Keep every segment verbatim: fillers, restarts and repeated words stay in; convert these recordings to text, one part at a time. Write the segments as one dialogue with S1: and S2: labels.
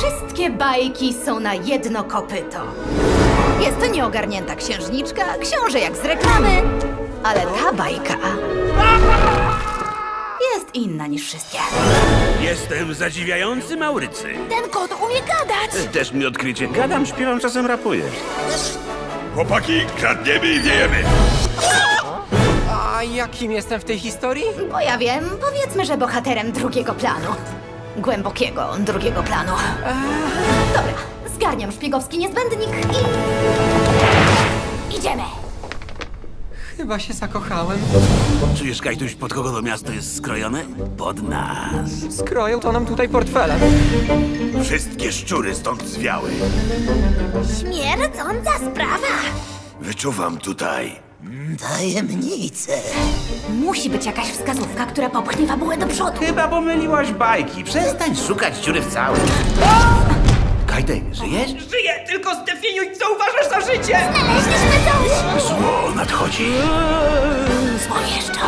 S1: Wszystkie bajki są na jedno kopyto. Jest to nieogarnięta księżniczka, książę jak z reklamy, ale ta bajka jest inna niż wszystkie.
S2: Jestem zadziwiający Maurycy.
S1: Ten kot umie gadać!
S2: Też mi odkrycie. Gadam, śpiewam, czasem rapuję.
S3: Chłopaki, kradniemy i wiejemy!
S4: A jakim jestem w tej historii?
S1: Bo ja wiem, powiedzmy, że bohaterem drugiego planu. Głębokiego drugiego planu. Dobra, zgarniam szpiegowski niezbędnik i... Idziemy!
S4: Chyba się zakochałem.
S2: Czujesz, Kajtuś, pod kogo to miasto jest skrojone? Pod nas.
S4: Skroją to nam tutaj portfele.
S3: Wszystkie szczury stąd zwiały.
S1: Śmierdząca sprawa!
S3: Wyczuwam tutaj
S5: Tajemnice.
S1: Musi być jakaś wskazówka, która popchnie fabułę do przodu.
S2: Chyba pomyliłaś bajki. Przestań szukać dziury w całym. Kajtek, żyjesz?
S4: Żyję, tylko zdefiniuj, co uważasz za życie!
S1: Znaleźliśmy coś!
S3: zło nadchodzi.
S1: Złowieszczo.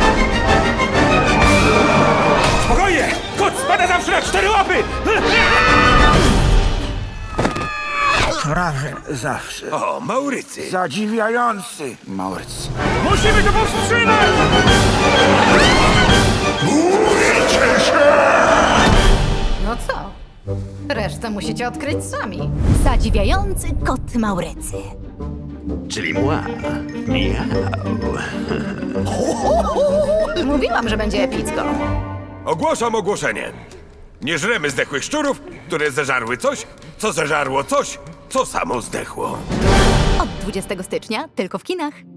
S2: Spokojnie! Kot spada zawsze na cztery łapy!
S6: Prawie zawsze.
S3: O, Maurycy.
S6: Zadziwiający Maurycy.
S2: Musimy to powstrzymać!
S1: No co? Resztę musicie odkryć sami. Zadziwiający kot Maurycy.
S2: Czyli mła. Miau.
S1: Mówiłam, że będzie epicko.
S3: Ogłaszam ogłoszenie. Nie żremy zdechłych szczurów, które zeżarły coś, co zeżarło coś, co samo zdechło.
S1: Od dwudziestego stycznia tylko w kinach.